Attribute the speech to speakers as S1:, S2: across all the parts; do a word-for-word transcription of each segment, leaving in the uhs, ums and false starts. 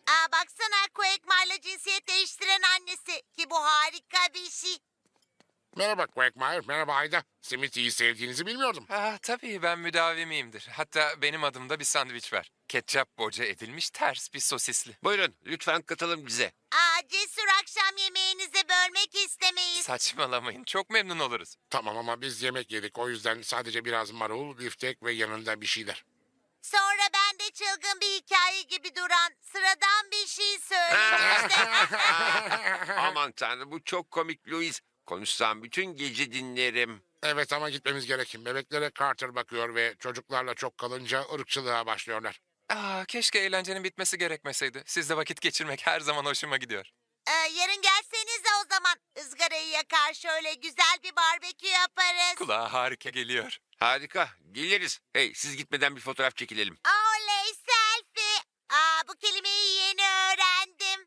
S1: Aa, baksana Quagmire'la cinsiyet değiştiren annesi ki bu harika bir şey.
S2: Merhaba Quagmire, merhaba Ayda. Simity'yi sevdiğinizi bilmiyordum.
S3: Ah, tabii ben müdavimiyimdir. Hatta benim adımda bir sandviç var. Ketçap boca edilmiş ters bir sosisli.
S4: Buyurun lütfen katılın bize.
S1: Aa, cesur akşam yemeğinize bölmek istemeyiz.
S3: Saçmalamayın. Çok memnun oluruz.
S2: Tamam ama biz yemek yedik. O yüzden sadece biraz marul, biftek ve yanında bir şeyler.
S1: Sonra ben de çılgın bir hikaye gibi duran sıradan bir şey söyledim işte.
S4: Aman tanrım bu çok komik Louis. Konuşsam bütün gece dinlerim.
S2: Evet ama gitmemiz gerek. Bebeklere Carter bakıyor ve çocuklarla çok kalınca ırkçılığa başlıyorlar.
S3: Ah, keşke eğlencenin bitmesi gerekmeseydi. Sizle vakit geçirmek her zaman hoşuma gidiyor.
S1: Ee, yarın gelsenize o zaman. Izgarayı yakar şöyle güzel bir barbekü yaparız.
S3: Kulağa harika geliyor.
S4: Harika geliriz. Hey siz gitmeden bir fotoğraf çekilelim.
S1: Oley selfie. Aa, bu kelimeyi yeni öğrendim.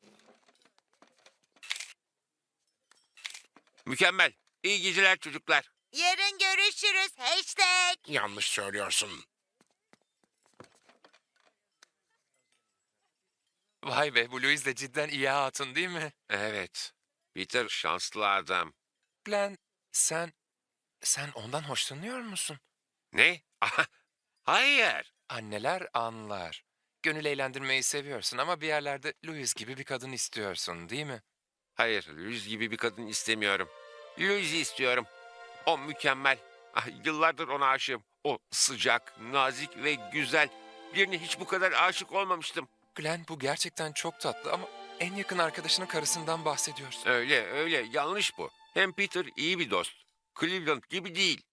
S4: Mükemmel. İyi geceler çocuklar.
S1: Yarın görüşürüz. Hashtag.
S2: Yanlış söylüyorsun.
S3: Vay be, bu Louise de cidden iyi hatun değil mi?
S4: Evet. Peter şanslı adam.
S3: Glenn, sen... Sen ondan hoşlanıyor musun?
S4: Ne? Hayır.
S3: Anneler anlar. Gönül eğlendirmeyi seviyorsun ama bir yerlerde Louise gibi bir kadın istiyorsun değil mi?
S4: Hayır Louis gibi bir kadın istemiyorum. Louis'i istiyorum. O mükemmel. Ah, yıllardır ona aşığım. O sıcak, nazik ve güzel. Birine hiç bu kadar aşık olmamıştım.
S3: Glenn, bu gerçekten çok tatlı ama en yakın arkadaşının karısından bahsediyorsun.
S4: Öyle öyle yanlış bu. Hem Peter iyi bir dost. Cleveland gibi değil.